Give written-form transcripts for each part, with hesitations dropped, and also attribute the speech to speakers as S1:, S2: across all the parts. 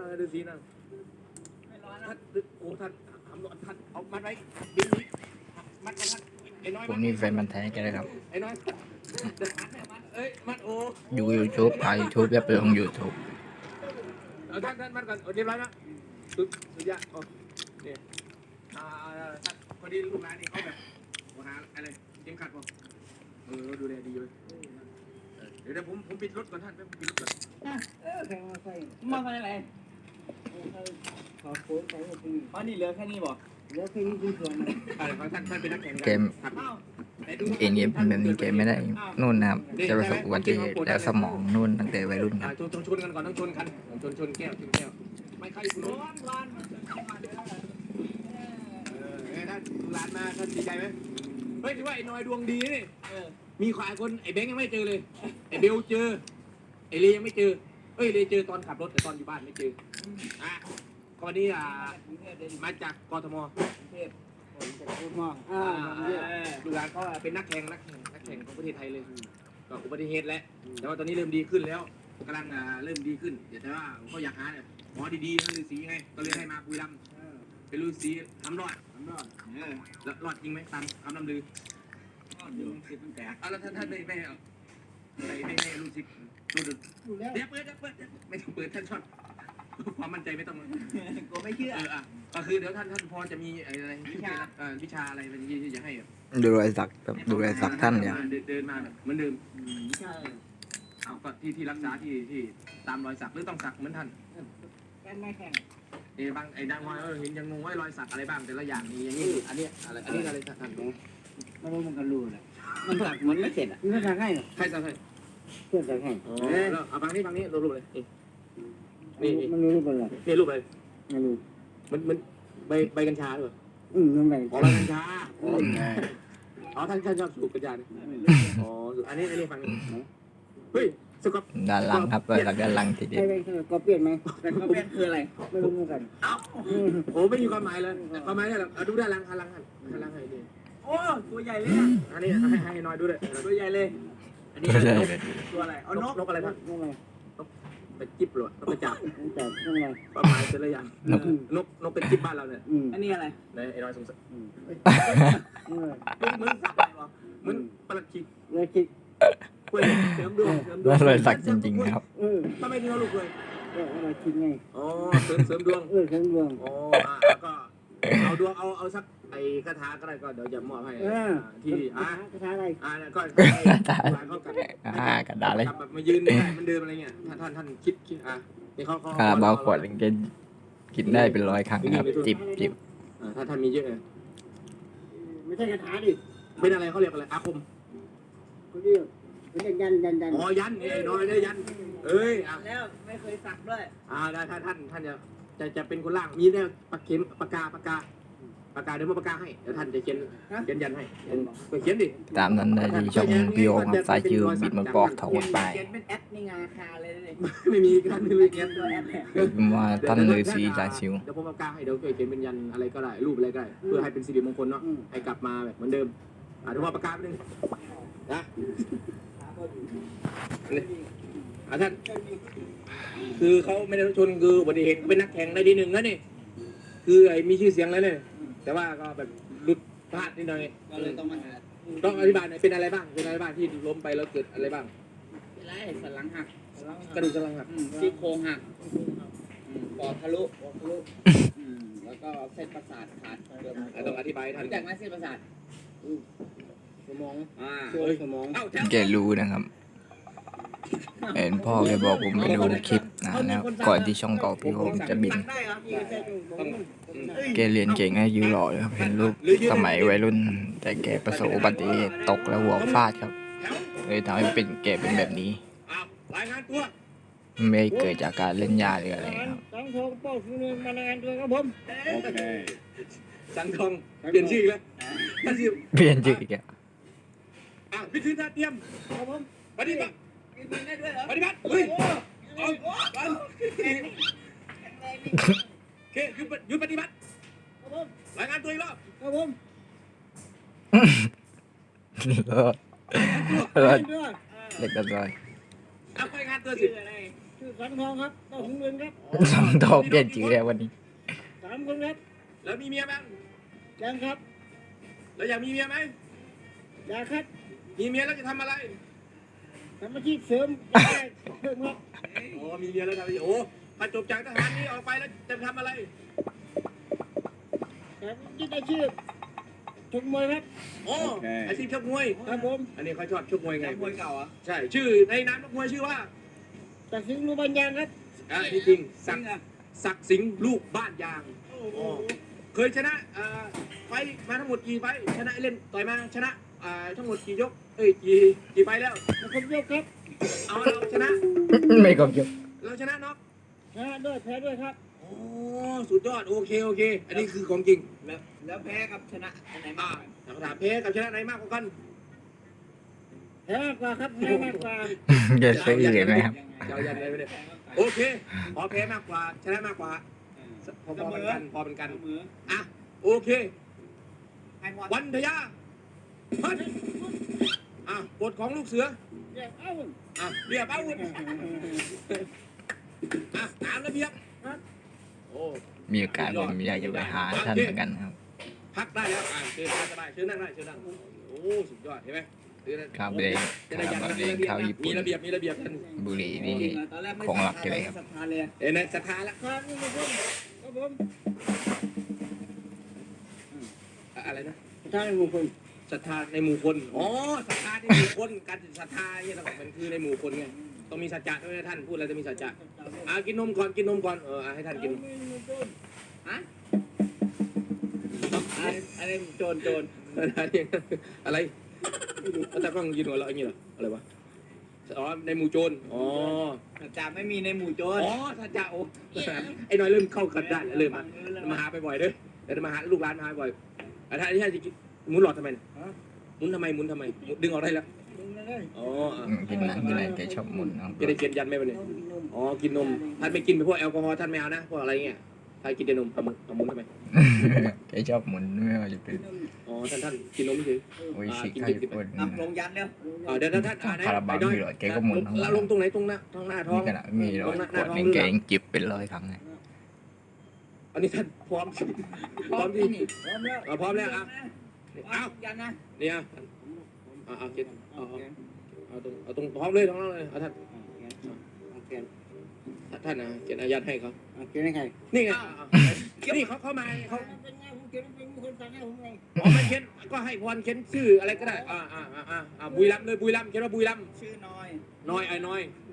S1: ฤาษีนะท่านโอ้ท่านทำท่านเอามัดไว้บินนี้มัดไว้ท่านไอ้น้อย
S2: ผมนี่แฟนมันธุ์แท้กันเลยครับ
S1: ไอ้น้อยเอ้ยมัดโอ้
S2: ดู YouTube ถ่าย YouTube แล้วไปลง YouTube
S1: ท่านมัดก่อนเรียบร้อยนะสุดยอดโอ้เนี่ยท่านพอดีลูกหลานนี่เขาแบบหาอะไรเข็มขัดป่ะดูแลดีเลยเดี๋ยวผมปิดรถก่อนท่านปิดรถก่อน
S3: แข่งมาใส่
S4: มาคนไหน
S3: ขอโค้ดใส่ก็คือ
S4: อ๋อนี่เหลือแค่นี้บอก
S3: แล้วแค่นี้คือส่วน
S1: ท่านเป็นนักแข่ง
S2: เกมเองเกมแบบนี้เกมไม่ได้นู่นนะครับจะประสบอุบัติเหตุแล้วสมองนู่นตั้งแต่วัยรุ่นครับ
S1: ชนกันก่อนต้องชนกันชนแก้วไม่ใครคุณร้อนท่านร้านมาท่านดีใจไหมเฮ้ยถือว่าไอ้น้อยดวงดีนี่มีขวายคนไอ้แบงค์ยังไม่เจอเลยไอ้เบลเจอไอ้เลยังไม่เจอเฮ้ยเลเจอตอนขับรถแต่ตอนอยู่บ้านไม่เจอข้อนี้มาจากกทม
S3: เทพผมจะพูดมาก
S1: ลูกหลานก็เป็นนักแข่งของประเทศไทยเลยก็อุบัติเหตุแล้วแต่ว่าตอนนี้เริ่มดีขึ้นแล้วกำลังเริ่มดีขึ้นแต่ว่าเขาอยากหาเนี่ยหมอดีๆนั่นฤาษีไงก็เลยให้มาคุยลำเป็นฤาษีทำรอดแล้วรอดจริงไหมตามคำลำลือแล้วท่านไม่รู้สิรู้เดี๋ยวเปิดไม่ต้องเปิดท่านชอบความมั่นใจไม่ต้อง
S4: กูไม่เชื่อ
S1: ก็คือเดี๋ยวท่านพอจะมีอะไรวิชาอะไรที่จะให้
S2: ดูรอยสักครับดูรอยสักท่านเนี่ย
S1: เดินมาแบบเหมือนเดิมเอาก็ที่รักษาที่ตามรอยสักหรือต้องสักเหมือนท่าน
S3: กันไม่แข่ง
S1: บางไอ้ดังว่าเห็นยังงงว่ารอยสักอะไรบ้างแต่ละอย่างนี่อย่างนี้อันนี้อะไรท่าน
S3: ไม่รู้มันกันรู้เลย
S4: มันสักมันไม่เสร็จอ่ะ
S3: นี่ก็ให้
S1: ใครสักให้
S3: เพื่อนจะให้
S1: เอาบางนี้รูปเลยนี่
S3: มันรู้เป็นไร
S1: นี่รูปอะไร
S3: ไม่รู้
S1: มันใบกัญชาหรือเปล่า
S3: มันแบ่ง
S1: อ๋อใบกัญชาอ๋อท่านชอบสูบกัญชาอ๋ออันนี้ฟังเฮ้ยสก๊อป
S2: ด้านหลังครับรอยสักด้านหลังทีเดียว
S3: ให้ไปก็เปลี่ยนไหม
S4: แต่ก็เป็นคืออะไร
S3: ไม่รู้เหมือนกัน
S1: เอ้าโอ้ไม่มีความหมายเลยความหมายเนี่ยดูด้านหลังให้ดี
S4: โอ้ตัวใหญ่เลยอ่ะ
S1: อันนี้ให้น้อยดูด้วย
S4: ตัวใหญ่เลยอันนี้
S2: ไม่ใช่
S4: ตัวอะไรเอานก
S1: อะไรท่าน
S3: นั่นไง
S1: ไปจิ๊บหรอไปจับ
S3: แต่นั่นไง
S1: ประมาณแต่ละอย่างนกเป็นจิ๊บบ้านเราเนี่ย
S4: อันนี้อะไร
S1: ในไอ้น้อยสงสัย
S3: นี่
S1: มึงสักอะไรวะมึงประหลัดขิก
S3: เลยคิด
S1: กล้วยเสริมดวง
S2: แล้วรอยสักจริงๆครับ
S1: ทำไมถึงเอาลูกเลย
S3: ก็เราคิดไง
S1: อ๋อเสริมดวง
S3: ทั้งดวง
S1: อ๋อก็เอาดวงเอาสักไอ้คาถาก็ได้ก็เดี๋ยวจะมอบให้ที่
S3: กระทะอะไร
S1: ก็ร้านเขากัน
S2: กระดาษเลย
S1: แบบมายืนได้มันเดิมอะไรเงี้ยท่านคิดนี่เขา
S2: เบาขวดเกินกินได้เป็น100 ครั้งครับจิบ
S1: ถ้าท่านมีเยอะ
S3: ไม่ใช่กระทะดิ
S1: เป็นอะไรเขาเรียกอะไรอาคม
S3: เขาเรียกเป็นยัน
S1: อ๋อยันไอ้น้อยได้ยันเอ้ย
S4: แล้วไม่เคยสักด้วย
S1: ได้ถ้าท่านจะเป็นคนล่างมีแน่ปากเข็มปากกาเดี๋ยวมาปากกาให้เดี๋ยวท่านจะเขียนยันให้เขียนดิ
S2: ตามนั้นได้ที่ช่องพี่โอครับสายชื่อบิดมันปอกถอดไป
S4: เขียนเป็นแอปนี่งาคาเลยเลย
S1: ไม่มีท่านไม่มีเขียน
S4: ตัวแอปเนี่ย
S2: ว่าท่านฤาษีสายชิว
S1: เดี๋ยวผมปากกาให้เดี๋ยวเขียนเป็นยันอะไรก็ได้รูปอะไรก็ได้เพื่อให้เป็นสิริมงคลเนาะให้กลับมาแบบเหมือนเดิมเดี๋ยวมาปากกาไปนึงนะท่านคือเขาไม่ได้ชนคืออุบัติเหตุเป็นนักแข่งได้ที่1แล้วนี่คือไอ้มีชื่อเสียงแล้วเนี่ยแต่ว่าก็แบบหลุดพลาดนิดหน่อย
S4: ก็เลยต้องมาหา
S1: ต้องอธิบายหน่อยเป็นอะไรบ้างที่ล้มไปแล้วเกิดอะไรบ้าง
S4: เป็นไรสันหลังหัก
S1: กระดูกสันหลังหัก
S4: ซี่โครงหักปอดทะลุแล้วก็เส้นประสาทขาด
S1: ต้องอธิบายท่าน
S4: รู้จักไหมเส้นประสาท
S3: สมอง
S1: ช่วยสมอง
S2: แกรู้นะครับเห็นพ่อแกบอกผมไปดูคลิปนะครับก่อนที่ช่องเก่าพี่โอจะบิน
S4: ได้เหรอ
S2: แกเรียนเก่งให้ยื้อหล่อเลยครับเห็นรูปสมัยวัยรุ่น แต่แกประสบอุบัติเหตุตกแล้วหัวฟาดครับเลยทำให้แกเป็นแบบนี้
S1: รายงานตัว
S2: ไม่เกิดจากการเล่นยาหรืออะไรครับ
S3: ต้องโทรป้องคุณมารายงานตัวครับผม
S1: โอเคสังทองเปลี่ยนชื่อแล้วท่านชื่อ
S2: เปลี่ยนชื่ออีกแล้ว
S1: พิธีท่าเตรียม
S3: ครับผม
S1: ปฏิบัติ
S4: กินได้ด้วยเหรอ
S1: ปฏิบัติเฮ้ยเอาวันโอเคหยุดปฏิบัติ
S3: ครับผม
S1: รายงานตัวอีกรอบ
S3: ครับผม
S2: รอด
S3: ด้วย
S2: เล็กกันเลย
S1: รายงานตัวสิ
S4: ชื่ออะไร
S3: ชื่อสังทองครับเต้าถึงเงินครับ
S2: สองทองเปลี่ยนชื่อแล้ววันนี้
S3: 3 คนครับ
S1: แล้วมีเมียไหม
S3: ยังครับ
S1: แล้วอยากมีเมียไหม
S3: อยากครับ
S1: มีเมียแล้วจะทำอะไร
S3: ทำอาชีพเสริมอยากได้เพิ่มครับ
S1: โอ้มีเมียแล้วทำอะไรโอ้พอจบจากทหารนี้ออกไปแล้วจะทำอะไร
S3: แต่ยึดอาชีพชกมวยครับ
S1: โอ้อาชีพชกมวย
S3: ครับผม
S1: อันนี้เขาชอบชกมวยไง
S4: มวยเก่าอ่ะ
S1: ใช่ ชื่อในนามนักมวยชื่อว่า
S3: จากสิงห์ลูกบัญญังครับ
S1: นี่จริงศั
S4: จริ
S1: ก
S4: ง
S1: ดิ์
S4: อ่ะ
S1: ศักดิ์สิงห์ลูกบ้านยาง
S3: โอ้โห
S1: เคยชนะไฟท์มาทั้งหมดกี่ไฟท์ชนะเล่นต่อยมาชนะทั้งหมดกี่ยกกี่ไฟท์แล้ว
S3: แล้วผมยกครับ
S1: เอาเราชนะ
S2: ไม่ครบยก
S1: เราชนะน็อก
S3: ชนะด้วยแพ้ด้วยครับ
S1: โอ้สุดยอดโอเคอันนี้คือของจริง
S4: แล้วแพ้กับชนะอันไหน
S1: อ่าม
S4: ากกว่า
S1: ถามแพ้กับชนะไหนมากกว่ากัน
S3: แพ้มากกว่าครับแพ้มากกว่า
S2: จะซื้ออีกไหมครับ
S1: ยาวยันเลยไปเลยโอเคพอแพ้มากกว่าชนะมากกว่าพอเป็นกันพอเป็นกัน
S4: เสมอ
S1: อ่ะโอเค
S4: ให้หมด
S1: วันทยาเฮ้ยบทของลูกเสือ
S3: เรียกเอ้า
S1: เรียบอาวุธตามระเบียบโอ้
S2: มีโอกาสผมอยากจะไปหาท่านเหมือนกันครับ
S1: พักได้แล้วเชิญสบายเชิญนั่งได้เชิญนั่งโอ้สุดยอดเห็นไหม
S2: ข้าวเบรก
S1: จะได้ยัน
S2: ข้าวเบรกข้าวญี่
S1: มี
S2: ปุ่น
S1: ระเบียบท่าน
S2: บุหรี่นี่
S4: ตอนแรกไม่
S2: ของหลักเลยครับ
S4: ศรัทธาเลย
S1: เอ็นศรัทธาละ
S3: ครับนี่ครับครับผม
S1: อะไรนะ
S3: ท่านมงคล
S1: ศรัทธาในหมู่คนอ๋อศรัทธาในหมู่คนการศรัทธาเนี่ยเราเป็นคือในหมู่คนไงต้องมีสัจจะด้วยนะท่านพูดอะไรจะมีสัจจะกินนมก่อนให้ท่านกิน
S4: ฮะอะไรโจร
S1: อะไรแล้วแต่ก็ยืนหัวเราะอย่างนี้เหรออะไรวะอ๋อในหมู่โจรอ๋อ
S4: จ่าไม่มีในหมู่โจร
S1: อ๋อสัจจะโอ้ไอ้น้อยเริ่มเข้ากันได้เริ่มมาหาไปบ่อยเด้อเดี๋ยวมาหาลูกร้านมาหาบ่อยถ้าที่ท่านจะหมุนหลอดทำไมหมุนทำไมดึงออกได้แล้วอ๋อ
S2: กินอะไรแกชอบหมุนครับ
S1: จะได้เขียนยันไหมวันนี้อ๋อกินนมท่านไม่กินไปพวกแอลกอฮอล์ท่านไม่เอานะพวกอะไรเงี้ยท่านกินแต่นมเอาหมุนทำไม
S2: แกชอบหมุนไม่ว่าจะเป็น
S1: อ๋อท่านกินนมเฉย
S2: โอ้ยชิคข้าวญี่ปุ่น
S4: ลงยันเร็ว
S1: เดี๋ยวท่าน
S2: คาราบาวมีหลอดแกก็หมุนทั้ง
S1: ลงตรงไหนตรงหน้าท้อ
S2: มี
S1: ง
S2: ขนาดมีหลอดขวดนึงแกยังจิบเป็นร้อยครั้งเลย
S1: อันนี้ท่านพร้อมที่
S3: พร้อมแล้ว
S1: พร้อมแล้วเอา
S4: ยันนะ
S1: เนี่ยเอาเก็บเอาตรงพร้อมเลยเอาท่านนะเขียนอายัดให้เขา
S3: เขียนให้ใคร
S1: นี่ไงนี่เขามาเขา
S3: เป็นไงผมเขียนเป็นคนสั่งให้ผมไง
S1: ไม่เขียนก็ให้พรเขียนชื่ออะไรก็ได้บุรีรัมย์เลยบุรีรัมย์เขียนว่าบุรีรัมย์
S4: ชื่อน้อย
S1: น้อยไอ้น้อย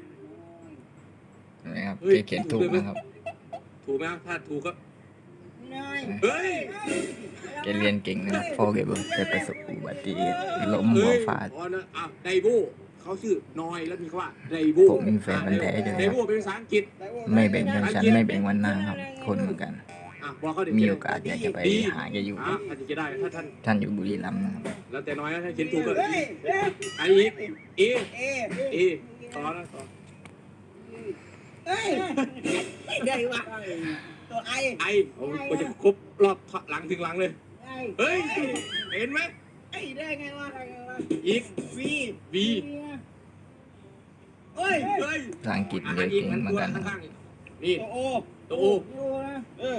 S2: นะครับแกเขียนถูกนะครับ
S1: ถูกไหมถ้าถูกก็
S3: น้อย
S1: เฮ้ย
S2: แกเรียนเก่งนะครับพ่อแกบอกแกประสบอุบัติเหตุล้มหัวฟาด
S1: ไดโบเขาชื่อน้อยแล้วมีคำว่าไดโบ
S2: ผมมีแฟนมันแท้ด้วย
S1: ได
S2: ค
S1: โบ
S2: รับ
S1: เป็นภาษาอังกฤษ
S2: ไม่แบ่งชนชั้นไม่แบ่งวันหน้าครับ คนเหมือนกัน
S1: บอกเขาเด็ก
S2: มีโอกาสอยากจะไปหาแกอยู่
S1: ท่านจะได้ถ้าท่าน
S2: ท่านอยู่บุรีรัมย์นะครับ
S1: แล้วแต่น้อยถ้าเขียนถูกก็
S4: เฮ้ย
S1: ไออีกเอ
S4: เอ
S1: ต่อนะต่อ
S4: เฮ้ยได้วะตัวไอ
S1: ไอโอ้ก็จะครบรอบหลังถึงหลังเลย เฮ้ย เห็นไหม
S4: ไอได้ไงวะ
S1: อีก
S4: วี
S1: บี
S4: เฮ้ย
S1: เฮ้ย
S2: ภาษาอังกฤษเรียนเก่งเหมือนกันครับ
S1: ข้างๆนี่
S4: ตัวโอ
S1: ตัวโอ
S4: เออ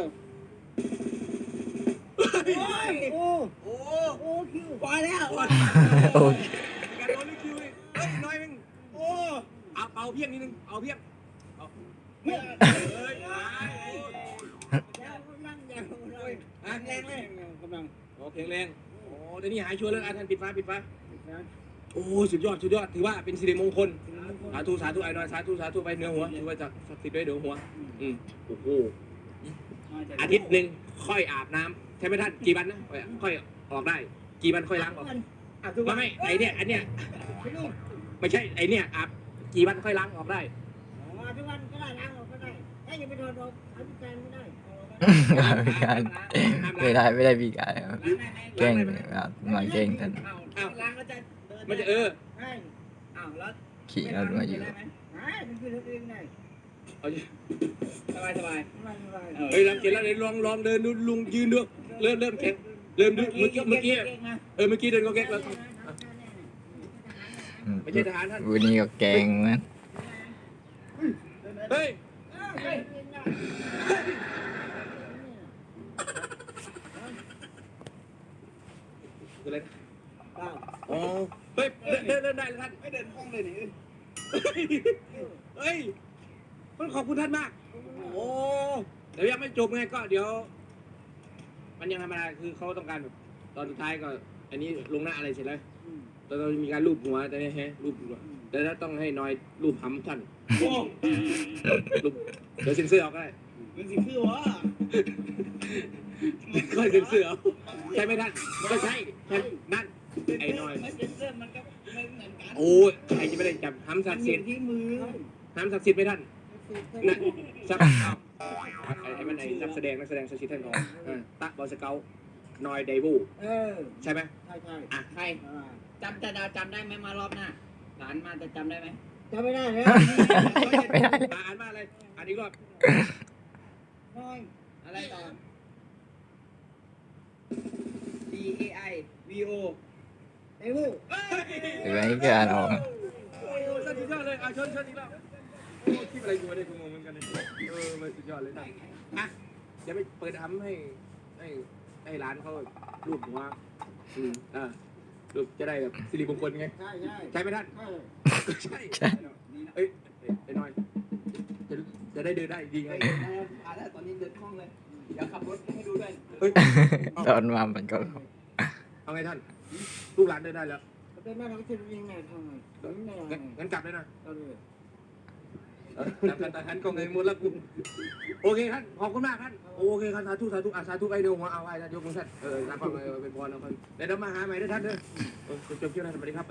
S3: โอ้
S4: โอ้
S3: โอ้คิว
S4: พอแล้ว
S2: โอเค
S1: การโดนลิคิวเฮ้ยน้อยมึง
S4: โอ้
S1: เอาเพียงนิดนึงเอาเพียง
S4: เฮ้ย
S1: เฮ้ย
S3: ยาวกำลังยาวกำลัง
S4: แรงเลย
S3: กำลัง
S1: โอเคแรงโอ้เดี๋ยวนี้หายชัวร์แล้วท่านปิดฟ้าโอ้สุดยอดถือว่าเป็นสิริมงคลสาธุไอ้น้อยสาธุไปเหนือหัวถือว่าจะศักดิ์สิทธิ์ด้วยเหนือหัวโอ้โหอาทิตย์หนึ่งค่อยอาบน้ำใช่ไหมท่านกี่วันนะค่อยออกได้กี่วันค่อยล้างออกไม่ไอเนี่ยอันเนี้ยไม่ใช่ไอเนี่ยอาบกี่วันค่อยล้างออกได้
S3: ทุกวันก็ได้ล้างออกก็ได้ถ้าอย่าไปโดนออกอภิการไม่ได้
S2: ไม่ได้พี่กายครับแกล้งครับมาแกล้งท่าน
S4: ล้างแล้วจะ
S1: มันจะ
S3: ได้
S4: อ้าวแล้ว
S2: ขี่รถมาอยู่
S3: ได้มันคือตัวเองได้
S4: สบาย
S3: สบาย
S1: เฮ้ยรังเกียจแล้วเลยลองเดินดูลุงยืนดูเริ่มแข็งเริ่มดูเมื่อกี้เดินก็แก๊กแล้วไม่ใช่ทหารท่าน
S2: วันนี้ก็แกล้งนะ
S1: เเฮ้ย
S3: เฮ้ยเป็นไง
S1: คืออะไร
S3: อ้าว
S1: อ๋อเฮ้ยเดินได้เลยท่าน
S4: ไม่เดินห้องเลยนี่
S1: เฮ้ยขอบคุณท่านมากโอ้เดี๋ยวยังไม่จบไงก็เดี๋ยว มันยังธรรมดาคือเขาต้องการแบบตอนสุดท้ายก็ อันนี้ลงหน้าอะไรเสร็จแล้วตอนเรามีการรูปหัวแต่เนี่ยฮะรูปหัวแต่ถ้าต้องให้น้อยรูปหำท่านโอ้รูปเดี๋ยวเซ็นเซอร์ออกก็ได้
S4: มันสิคือวะ
S1: ค่อยเซ็นเซอร์เอาใช่ไหมท่านก็ใช่ใช่นั่นไอ้น้อย
S4: ไม่เป็นเส้นมันก็ไม่เหมือนกัน
S1: โอ้ยใครจะไม่ได้จับหำศักดิ์สิทธิ์
S4: ที่มือ
S1: หำศักดิ์สิทธิ์ไหมท่านนั่นสักไอ้มันไอ้นักแสดงศักดิ์สิทธิ์ท่านของตะบอลสเกลนอยไดบู ใช่ไหม
S3: ใช่ใช่
S1: อ่ะ
S4: ใครจำจะดาวจำได้ไหมมารอบหน้าหลานมาจะจำได้ไหม
S3: จำไม่ได้เลย
S2: ไม่ได้เลย
S1: อ่านมาอะไรอ่านอีกรอบ
S3: น้อย
S4: อะไรต่อ D A I V O
S3: ไอ้ผู้
S2: หรือไม่ก็อ่านออก
S1: โอ้สุดยอดเลยอ่ะเชิญอีกรอบโอ้คิดอะไรกูไม่ได้กูงงเหมือนกันเลยมันสุดยอดเลยนะอ่ะเดี๋ยวไปเปิดทำให้ร้านเขารูปหัวรูปจะได้แบบสิริมงคลไง
S3: ใช่ใช่
S1: ใช่ไหมท่าน
S3: ใช่
S1: ใช่เอ้ยไอ้น้อยจะได้เดินได้ดีไง
S4: อ่าแล้วตอนนี้เดินห้องเลย เดี๋ยวขับรถให้ดูด้วย
S1: เฮ้ย
S2: ตอนมามันก็
S1: เอาไงท่านลูกหลานเดินได้แล้ว
S3: เป็นแม่เราจะยังไงทำไงไม่ได้
S1: งั้นกลับเลยนะ
S3: ก็เลย
S1: แต่ท่านก็เงยมุดแล้วกูโอเคท่านขอบคุณมากท่านโอเคครับสาธุสาธุไอเดียวหัวเอาไว้ท่านยกมือท่านท่านก็เป็นพรแล้วกันเดี๋ยวมาหาใหม่ด้วยท่านเด้อจบเที่ยวนะสวัสดีครับ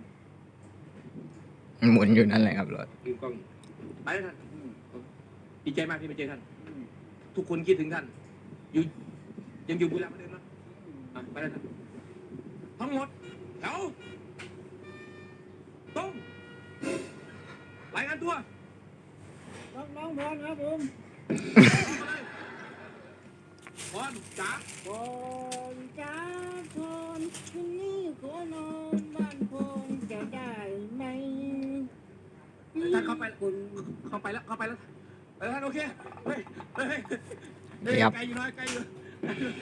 S2: หมุนอยู่นั่นแหละครับรถ
S1: ลืมกล้องไปแล้วท่านดีใจมากที่มาเจอท่านทุกคนคิดถึงท่านอยู่ยังอยู่บุรีรัมย์เหมือนเดิมนะไปแล้วท่านทั้งหมดแถวตรงรายงานตัว
S3: น้องพรครับผม
S1: พรจ๋า
S3: พรจ้าพรคืนนี้ขอนอนบ้านพรจะได้ไหม
S1: ท่านเข้าไปแล้วท่านโอเคเฮ้ยไกลอยู่น้อยไกลอยู่